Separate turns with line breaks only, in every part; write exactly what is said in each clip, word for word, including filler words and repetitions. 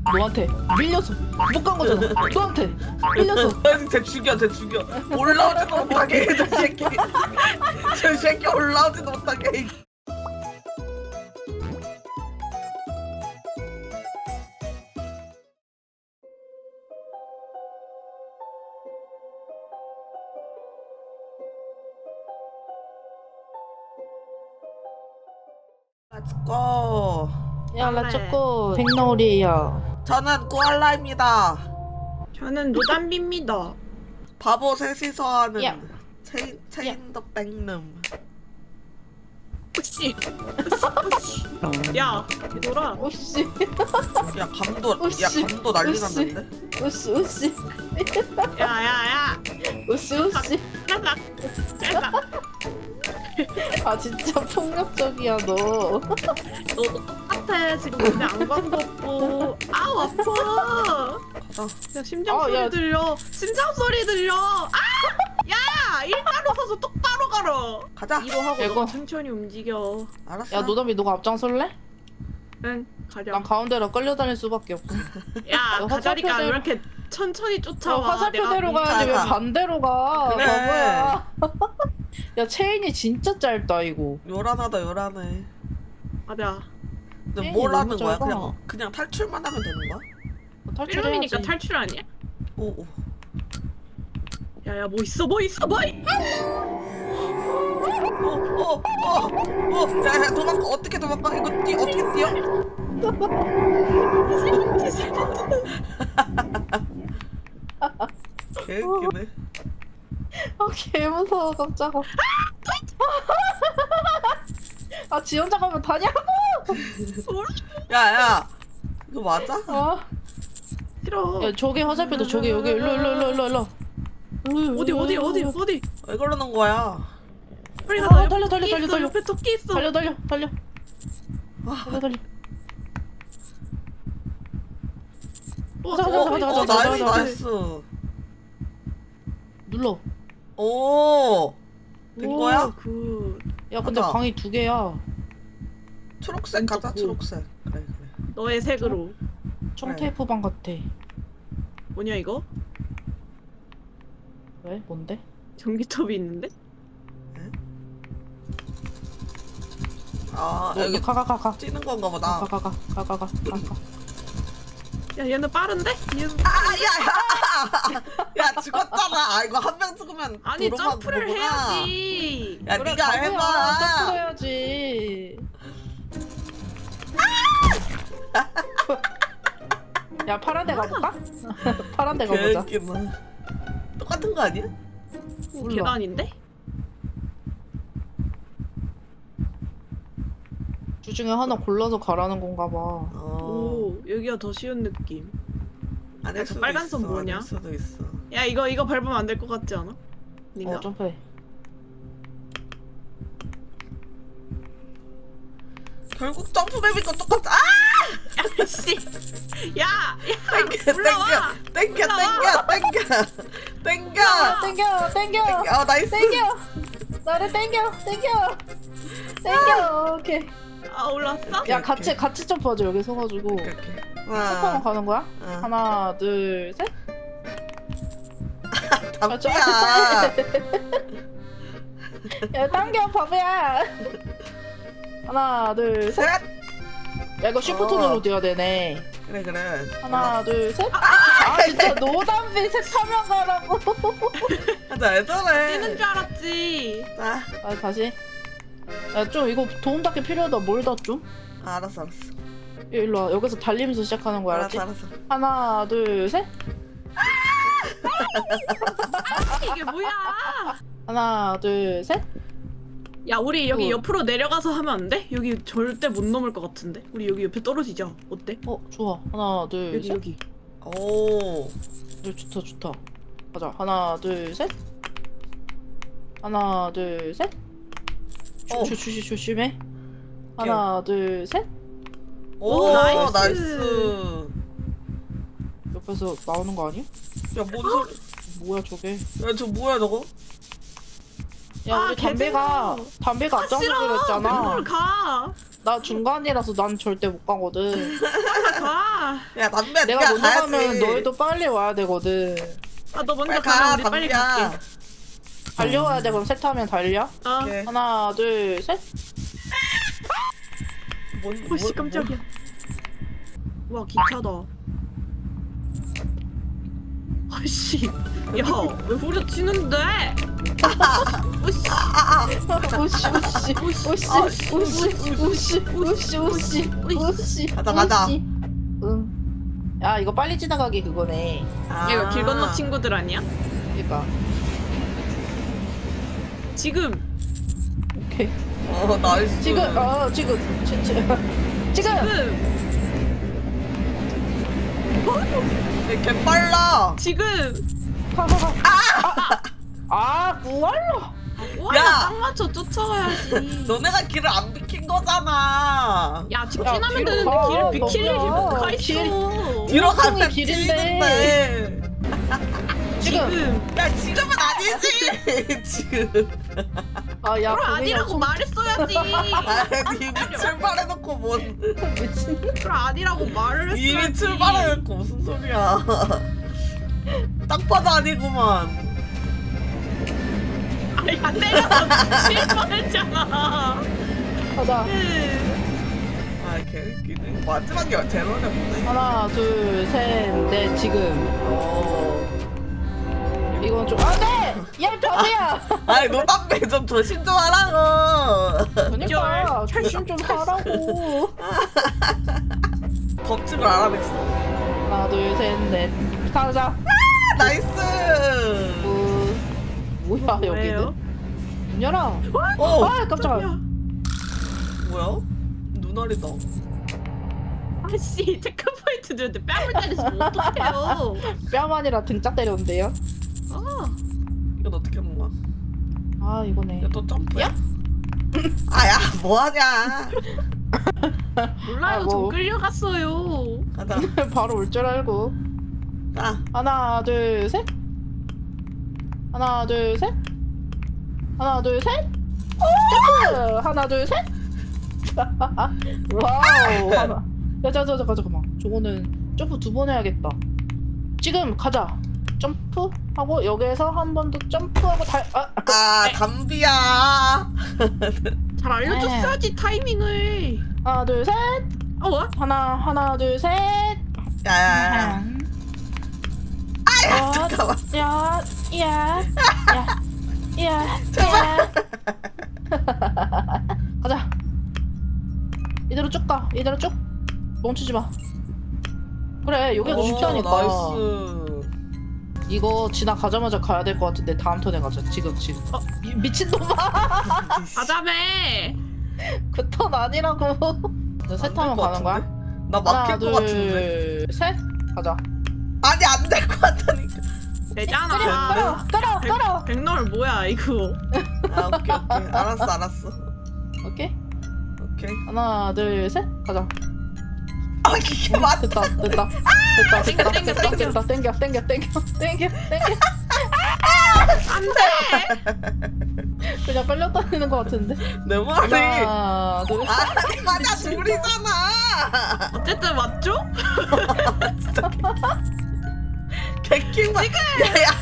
너한테 밀려서 못 간 거잖아. 너한테 밀려서.
쟤 죽여 쟤 죽여. 올라오지도 못하게 저 새끼. 저 새끼 올라오지도 못하게. Let's go.
야, 나 초코 백놀이야.
저는 꾸알라입니다.
저는 노담비입니다.
바보 셋이서 하는
야.
체인 체인 더 백룸.
오씨, 오씨, 야, 얘들아.
오씨,
야 감도
오씨.
야 감도 난리
오씨.
났는데.
오씨, 오씨,
야, 야, 야.
오씨, 오씨.
야나, 야나.
아 진짜 폭력적이야 너.
너도 똑같아. 지금 근데 안광도 없고. 아우 아파.
가자.
야 심장
아,
소리
야.
들려. 심장 소리 들려. 아! 야, 일자로 서서 똑바로 가라.
가자.
이로 하고
이거.
너가 천천히 움직여.
알았어.
야 노담이 너가 앞장설래?
응, 가자.
난 가운데로 끌려다닐 수밖에 없고.
야,
너
가자니까
화살표대로-
왜 이렇게 천천히
저
쫓아와?
화살표대로
내가
가야지 왜
뭉쳐가.
반대로 가?
그래.
바보야. 야 체인이 진짜 짧다 이거.
요란하다 요란해.
맞아.
근데
에이,
뭘
너무
하는 거야?
짧아.
그냥 그냥 탈출만 하면 되는 거야?
탈출해야지.
필름이니까 탈출 아니야?
오오.
야야 뭐 있어 뭐 있어 뭐 있...
오오오오. 야야 도망가. 어떻게 도망가? 이거 뛰 어떻게 뛰어? 개웃기네.
아개 무서워 깜짝아. 아 지 혼자 가면 다냐고?
야야. 이거 맞아?
아.
싫어.
야 저기 화살표도 저기 여기 일로 일로 일로 일로 일로.
어디 어디 어디 어디?
왜 그러는 거야?
빨리
아,
가자.
달려,
옆에
달려,
토끼
달려,
있어,
달려.
옆에 토끼 있어.
달려 달려 달려
아,
달려 달려.
어,
가자,
저-
가자, 가자,
어,
가자, 가자,
나이스
가자.
나이스.
눌러.
오. 된
오,
거야?
굿.
야 근데
가자.
방이 두 개야.
초록색 가자.
왼쪽
초록색. 그래 그래.
너의 색으로.
청테이프 방 같아.
뭐냐 이거?
왜? 뭔데?
전기톱이 있는데?
아
어,
여기
가가 가 가.
찌는 건가 보다.
가 가 가 가 가 가 가.
야 얘는 빠른데? 얘는
아야야. 야 죽었잖아. 아 이거 한 명 죽으면
아니
도로만
점프를
보구나.
해야지.
야
그래,
네가
바보야.
해봐.
점프해야지. 야 파란 데 가볼까? 파란 데 가보자.
개웃기네. 똑같은 거 아니야?
오,
몰라.
계단인데?
주 중에 하나 골라서 가라는 건가 봐.
어.
오 여기가 더 쉬운 느낌.
아닐
야, 저
수도
빨간
있어.
선 뭐냐?
아닐 수도 있어.
야 이거 이거 밟으면 안 될 것 같지 않아? 니가.
어 점프해.
결국 점프맵이고 똑같아. 아!
씨. 야, 야,
땡겨
올라와.
땡겨 땡겨
올라와.
땡겨 땡겨
아, 땡겨 땡겨
땡겨. 어 나이스.
땡겨. 나를 땡겨 땡겨 땡겨. 오케이.
아 올랐어?
야 같이 같이 점프하자 여기 서가지고.
오케이 오케이.
점프하면
하나
가는 거야?
응.
하나 둘 셋.
답이야.
야 당겨 바보야. 하나 둘 셋.
셋.
야 이거 쉬프트
어.
누르고 뛰어야 되네.
그래 그래.
하나 둘 셋. 아 진짜 노담비 색 타면 가라고.
하자 예전에.
뛰는 줄 알았지.
자
아 다시. 야 좀 이거 도움 닫기 필요하다. 뭘 닫 좀?
아, 알았어 알았어.
일로 와. 여기서 달리면서 시작하는 거야 알았지?
알았어 알았어.
하나 둘 셋.
이게 뭐야?
하나 둘 셋.
야 우리 여기
어.
옆으로 내려가서 하면 안 돼? 여기 절대 못 넘을 것 같은데. 우리 여기 옆에 떨어지자. 어때?
어 좋아. 하나 둘
여기
셋.
여기.
오.
어, 좋다 좋다. 가자. 하나 둘 셋. 하나 둘 셋.
어.
조, 조, 조, 조심해. 하나 둘 셋.
오,
오,
나이스.
나이스.
옆에서 나오는 거 아니야?
야, 뭔 소리?
뭐야 저게?
야, 저 뭐야, 저거?
야
아,
우리 담배가 담배가
아,
앞장서
싫어.
그랬잖아.
백로를 가.
나 중간이라서 난 절대 못 가거든.
가.
야 담배
내가
네가
먼저
가야지.
가면 너희도 빨리 와야 되거든.
아, 너 먼저
빨리
가면
가
우리 빨리
담배야.
갈게.
달려와야 돼. 그럼 셋 하면 달려.
어.
오케이.
하나 둘 셋.
뭔,
오씨
뭔-
깜짝이야. 와 기차다. 아씨, 야 왜 후려치는데? 오씨,
우씨 우씨 우씨 우씨 우씨 우씨 우씨 우씨.
가자, 가자.
우씨. 응. 야 이거 빨리 지나가기 그거네.
아.
이거 길 건너 친구들 아니야?
그러니까.
지금
오케이.
어 나이스.
지금 어 지금 지, 지, 지금.
지금
얘 개빨라.
지금.
가, 가, 가. 아! 아, 무알로.
와,
야!
딱 맞춰 쫓아가야지.
너네가 길을 안 비킨 거잖아.
야 직진하면
뒤로
되는데
가,
길을 비킬 일이
너구나.
뭐가
길-
있어.
뒤로
엄청이
가면
길인데.
길인데.
지금.
지금.
야 지금은 아니지. 지금.
아, 야,
그럼 아니라고 말했어야지.
아니 이미 출발해놓고 뭔
미친.
그럼 아니라고 말을 했어야지.
이미 출발해놓고 무슨 소리야. 딱 봐도 아니구만.
아니 안 때려서 실망했잖아.
가자.
아 개웃기네. 마지막에 제로네 보네.
하나, 둘, 셋, 넷, 지금. 어. 이건 좀. 아, 네! 야, 이 바보야!
아니 너 담배 좀 조심 좀 하라고.
그러니까, 조심 좀 하라고.
법칙을 알아냈어.
하나, 둘, 셋, 넷. 가자.
아, 나이스.
어, 뭐야,
뭐예요?
여기는? 문 열어.
어
아, 깜짝이야.
뭐야? 눈알이다.
아씨 체크포인트 들는데 뺨을 때리시면 어떡해요.
뺨 아니라 등짝 때렸는데요?
아,
이건 어떻게 하는 거야?
아, 이거네.
이거 또 점프야?
야?
아야 뭐하냐?
몰라요.
아, 뭐.
전 끌려갔어요.
가자.
바로 올 줄 알고.
자.
하나, 둘, 셋. 하나, 둘, 셋. 하나, 둘, 셋. 점프! 하나, 둘, 셋. 와우. 하나. 야, 자, 자, 자, 잠깐만. 저거는 점프 두 번 해야겠다. 지금 가자. 점프 하고 여기에서 한 번 더 점프하고 달. 아,
아 담비야.
잘 알려줬어야지 타이밍을.
하나, 둘, 셋.
어 뭐?
하나, 하나, 둘, 셋.
야야야. 아야 잠깐만.
야, 야, 야, 야,
제발.
가자. 이대로 쭉 가. 이대로 쭉. 멈추지 마. 그래, 여기가 더
오,
쉽다니까.
나이스.
이거 지나가자마자 가야 될 것 같은데 다음 턴에 가자. 지금 지금. 어, 미, 미친놈아.
가자매.
그 턴 아니라고. 셋 하면 가는 거야?
나
하나,
막힐 것 같은데.
둘, 셋. 가자.
아니 안 될 것 같다니까.
되잖아.
깔아, 깔아, 깔아.
백널 뭐야 이거.
아 오케이 오케이. 알았어 알았어.
오케이.
오케이.
하나, 둘, 셋. 가자.
아 이게 맞.
됐다, 됐다. 됐다,
땡겨,
됐다,
땡겨,
됐다,
땡겨.
됐다, 땡겨, 땡겨, 땡겨, 땡겨, 땡겨.
안돼.
그냥 끌려다니는 것 같은데.
내 말이.
하나, 둘,
아니 맞아 둘이잖아.
어쨌든 맞죠?
개킹만. 야야.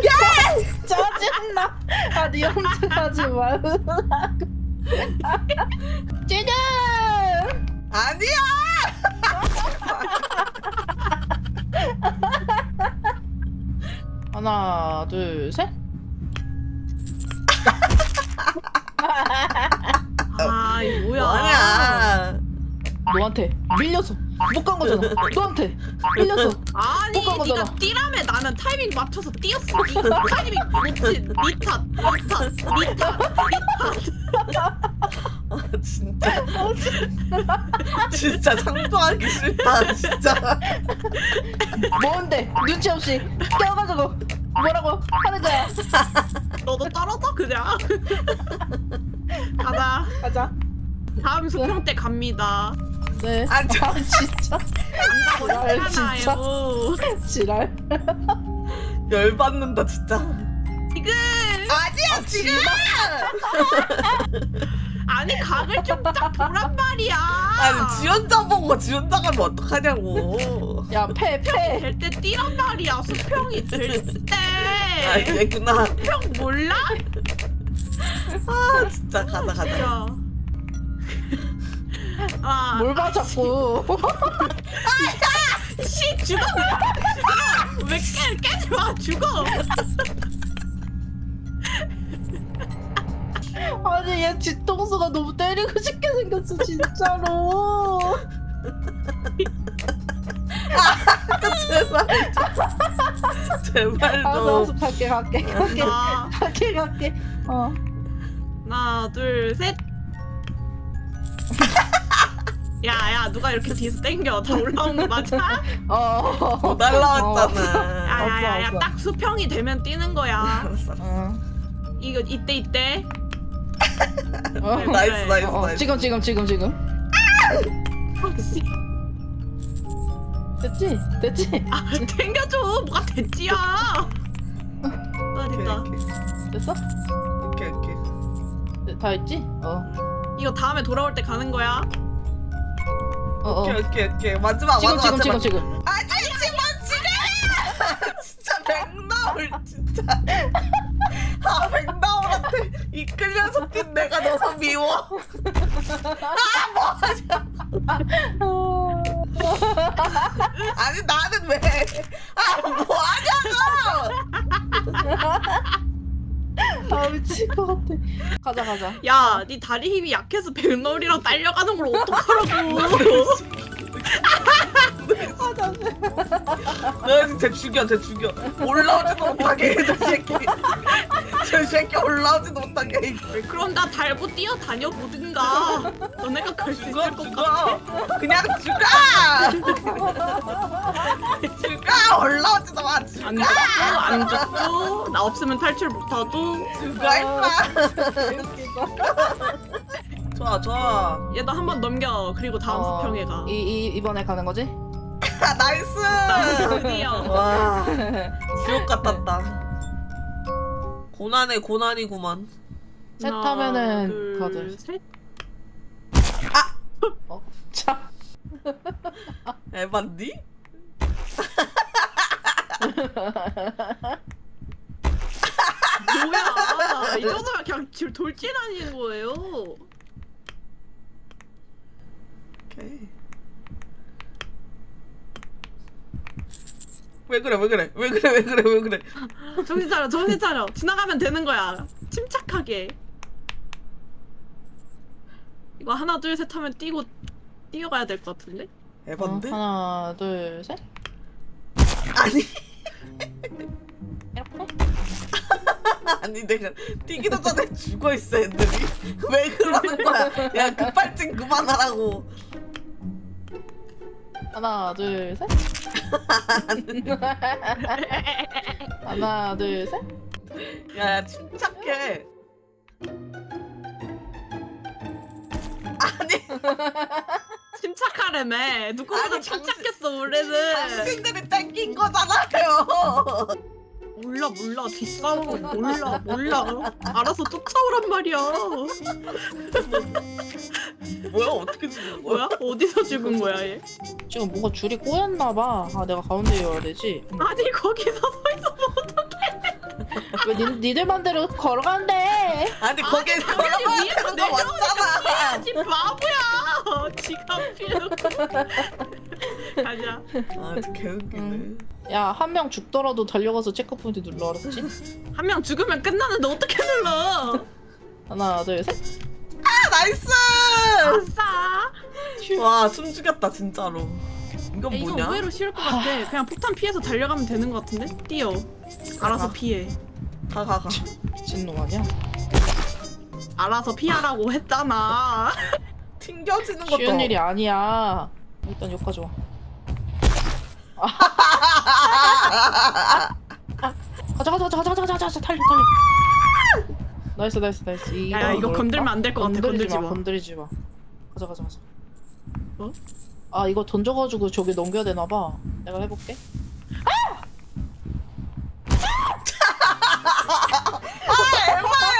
짜증나. 아, 네 혼자 가지 말라. 지금.
아니야.
하나, 둘, 셋.
아 이거 뭐야?
뭐하냐.
너한테 밀려서 못 간 거잖아. 너한테 밀려서.
아니
못 간 거잖아.
네가 뛰라며 나는 타이밍 맞춰서 뛰었어. 네 타이밍 놓친 니 탓, 니 탓, 니 탓, 니 탓.
아 진짜. 진짜 상도하기 싫다 진짜.
뭔데 눈치 없이 껴가지고 뭐라고 하는 거야.
너도 떨어져 그냥. 가자.
가자.
다음 수평 때 갑니다.
네.
아, 저-
아 진짜. 지랄 진짜.
괜찮아요.
지랄.
열받는다 진짜.
지금
아니야 지금.
아니 각을 좀 딱 보란 말이야.
아니 지원자 보고 지원자 가면 어떡하냐고.
야패패
될 때 뛰란 말이야. 수평이 될 때.
아 이랬구나.
수평 몰라?
아 진짜 가자 가자.
야. 아,
뭘 봐 자꾸.
씨 죽어. 죽어. 왜 깨, 깨지 마. 죽어.
아니 얘 뒤통수가 너무 때리고 싶게 생겼어 진짜로.
제발 제발
알았어 알았어
좀.
갈게 갈게 갈게
아,
갈게 갈게. 어.
하나, 둘, 셋. 야야 누가 이렇게 뒤에서 땡겨. 다 올라온 거 맞아?
어.
못 날라왔잖아.
야야야야
알았어.
딱 수평이 되면 뛰는 거야.
알았어.
어.
이거 이때 이때.
어.
나이스 나이스
어, 어.
나이스.
지금 지금 지금 지금.
혹시
됐지 됐지.
아 땡겨줘. 뭐가 됐지야. 아
오케이
됐다.
오케이
됐어?
오케이 오케이.
네, 다 했지? 어.
이거 다음에 돌아올 때 가는 거야.
어 어.
오케이 오케이 오케이. 마지막
지금
마지막
지금
제발.
지금 지금.
아니 지금 지금. 진짜 백나올 진짜. 아 백나올한테 이끌려서 뛴 내가 너무 미워. 아니 나는 왜? 아 뭐하냐고.
아 미칠 것 같아. 가자 가자.
야, 네 다리 힘이 약해서 백놀이랑 딸려가는 걸 어떡하라고.
아 잠시.
너 진짜 죽여 쟤 죽여. 올라오지도 못하게 저 새끼. 저 새끼 올라오지도 못하게.
그럼 나 달고 뛰어다녀 보든가. 너네가 갈 수 있을
죽어
것 같아.
죽어. 그냥 죽어. 죽어 올라오지도 마. 죽어.
안 죽고 안 죽고 나 없으면 탈출 못하고.
죽어 임마.
웃기다.
좋아 좋아.
얘도 한 번 넘겨. 그리고 다음
어,
수평에 가.
이, 이 이번에 가는 거지?
아, 나이스.
드디어.
와 지옥 같았다. 고난의 고난이구만.
셋
하나,
하면은
둘,
가들.
셋.
어? 참.
에반디?
뭐야? 이 정도면 그냥 지금 돌진하는 거예요.
오케이. 왜 그래 왜 그래 왜 그래 왜 그래 왜 그래.
정신 차려, 정신 차려. 지나가면 되는 거야. 침착하게. 이거 하나 둘 셋 하면 뛰고 뛰어가야 될 것 같은데?
에반데?
어, 하나 둘 셋.
아니
이렇게?
아니 내가 뛰기도 전에 죽어 있어 애들이. 왜 그러는 거야? 야 급발진 그만하라고.
하나 둘 셋. 하나 둘 셋.
야, 야 침착해. 아니
침착하래매. 누구보다
아니,
침착했어 원래는.
당신들이 땡긴 거잖아요.
몰라 몰라 뒷싸움은 몰라 몰라. 알아서 쫓아오란 말이야.
뭐야 어떻게 죽은 거야?
뭐야? 어디서 죽은 거야 얘?
지금 뭔가 줄이 꼬였나 봐. 아 내가 가운데에 와야 되지. 음.
아니 거기서 서 있어.
왜 니, 니들 맘대로 걸어간대?
아니 거기에
당연히
걸어봐야
위에서
되는 거 맞잖아.
피해야지 바보야. 지갑 피해놓고. 가자.
아 진짜 개웃기네.
응. 야 한 명 죽더라도 달려가서 체크포인트 눌러 알았지?
한 명 죽으면 끝나는데 어떻게 눌러?
하나 둘 셋.
아 나이스.
아싸.
와 숨 죽였다 진짜로. 이건
야, 이거
뭐냐?
의외로 쉬울 것 같아. 그냥 폭탄 피해서 달려가면 되는 것 같은데? 뛰어. 알아서
가.
피해.
가 가 가.
미친놈 아니야?
알아서 피하라고 했잖아.
튕겨지는 것도.
쉬운 일이 아니야. 일단 여기까지 와. 가자 가자 가자 가자 가자 가자 가자 달려 달려. 나이스 나이스 나이스. 이거
야, 야, 이거
뭘까?
건들면 안 될 것 같아. 건들지 마.
건들지 마. 가자 가자 가자.
어?
아 이거 던져가지고 저기 넘겨야 되나 봐. 내가 해볼게.
아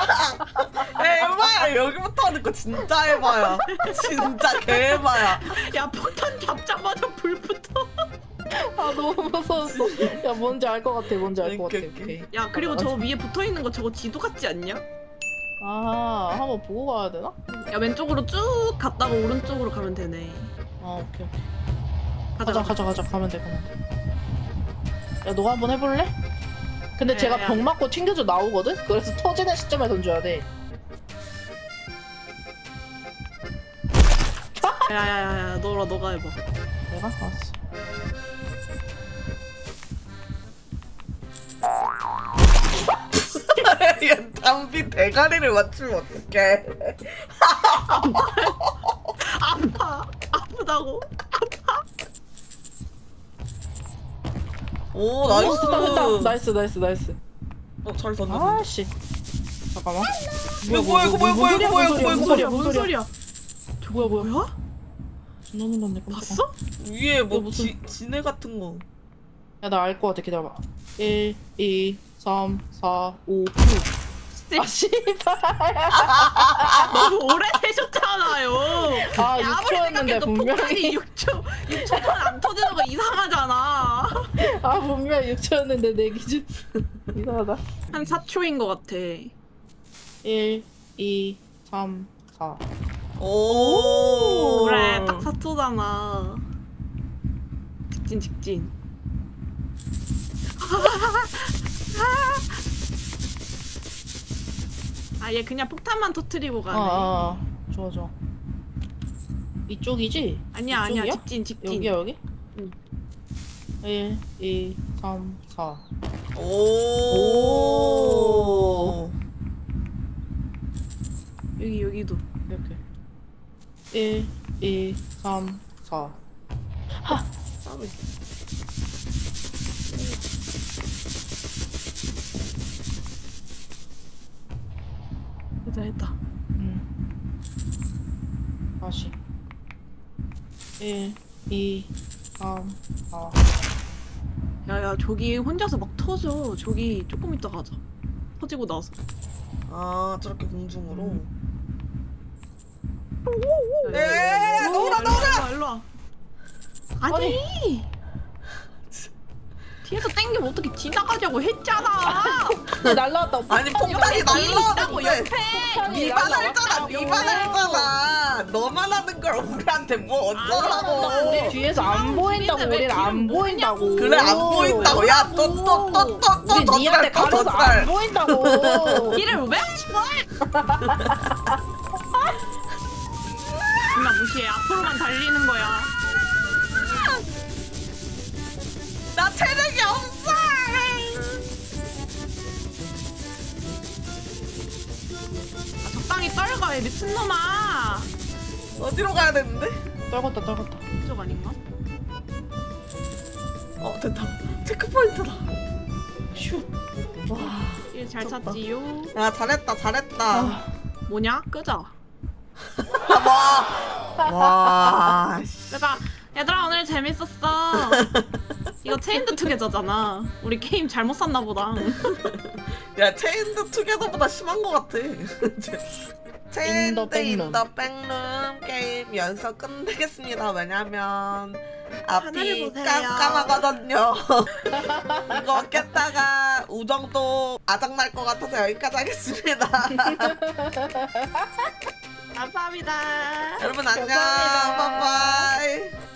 에바야 여기부터 하는 거 진짜 해봐야. 진짜 개해봐야.
야 폭탄 잡자마자 불 붙어.
아 너무 무서웠어. 야 뭔지 알 것 같아. 뭔지 알 것 같아.
오케이, 오케이.
오케이.
야 그리고 저 위에 붙어 있는 거 저거 지도 같지 않냐?
아 한번 보고 가야 되나?
야 왼쪽으로 쭉 갔다가 오른쪽으로 가면 되네.
아 오케이 오케이.
가자
가자
가자.
가자 가자 가면 돼 가면 돼. 야 너가 한번 해볼래? 근데
야,
제가
야.
병 맞고 튕겨져 나오거든? 그래서 터지는 시점에 던져야 돼.
야야야야 너라 너가 해봐.
내가? 알았어.
야 담비 대가리를 맞추면 어떡해.
아파 아프다고.
오
오
나이스.
됐다 됐다. 나이스 나이스 나이스.
어, 잘 던졌네.
아씨. 잠깐만.
이거 뭐야 이거 뭐야 뭐야 이거 뭐야 이거 뭐야
뭔
이거
소리야,
뭐야.
뭔 소리야?
뭐야 뭐야.
뭐야?
너무 놀랐네.
봤어?
위에 뭐
이거 무슨-
지, 지네 같은 거.
야나 알 것 같아. 기다려봐. 일, 이, 삼, 사, 오, 육. 아 씨발.
너무 오래 되셨잖아요.
아
야, 아무리
육 초였는데
생각해도
분명히.
폭탄이 육 초 육 초 동안 안 터지는 거 이상하잖아.
아 분명히 육 초였는데 내 기준. 이상하다.
한 사 초인 거 같아.
일, 이, 삼, 사.
오.
그래 딱 사 초잖아. 직진 직진. 아얘 그냥 폭탄만 터트리고 가네.
아, 아, 좋아 좋아. 이쪽이지?
아니야 아니야
이쪽이야?
직진 직진.
여기야 여기?
응.
일, 이, 삼, 사.
오.
여기 여기도.
이렇게. 일, 이, 삼, 사.
따로 있어. 됐다 됐다.
음. 다시. 일, 이, 삼, 사.
야야 저기 혼자서 막 터져. 저기 조금 이따 가자. 터지고 나서.
아 저렇게 공중으로.
야, 야, 야, 야, 야.
에 너무나 너무나.
일로 와. 아니. 뒤에서 땡기면 어떻게 지나가자고 했잖아.
날라왔다.
아니 폭탄이
옆에 뒤에 있다고
날라왔는데.
옆에.
니만 알잖아.
날라왔다고.
니만 알잖아. 너만 하는 걸 우리한테 뭐 어쩌라고.
우리 뒤에서 안 보인다고.
왜
우리는 안
뒤를
보인다고.
보냐고.
그래 안 보인다고. 야 또 또 또 또또
우리 니한테 가려서 안 보인다고.
길을 왜 치고 해? 누나 무시해. 앞으로만 달리는 거야.
나 체력이 없어.
아, 적당히 떨궈, 이 미친놈아.
어디로 가야 되는데?
떨궜다 떨궜다.
이쪽 아닌가?
어 됐다. 체크포인트다.
슈. 와.
일 잘
미쳤다.
찾지요.
야 잘했다 잘했다.
아.
뭐냐? 끄자.
와. 와. 씨.
끄자. 얘들아 오늘 재밌었어. 이거 체인드 투게더잖아. 우리 게임 잘못 샀나 보다.
야 체인드 투게더보다 심한 것 같아. 체인드
백룸.
인더 백룸 게임 연습 끝내겠습니다. 왜냐면 앞이
하늘을 보세요.
깜깜하거든요. 이거 깼다가 우정도 아작날 것 같아서 여기까지 하겠습니다.
감사합니다.
여러분 안녕.
감사합니다.
바이바이.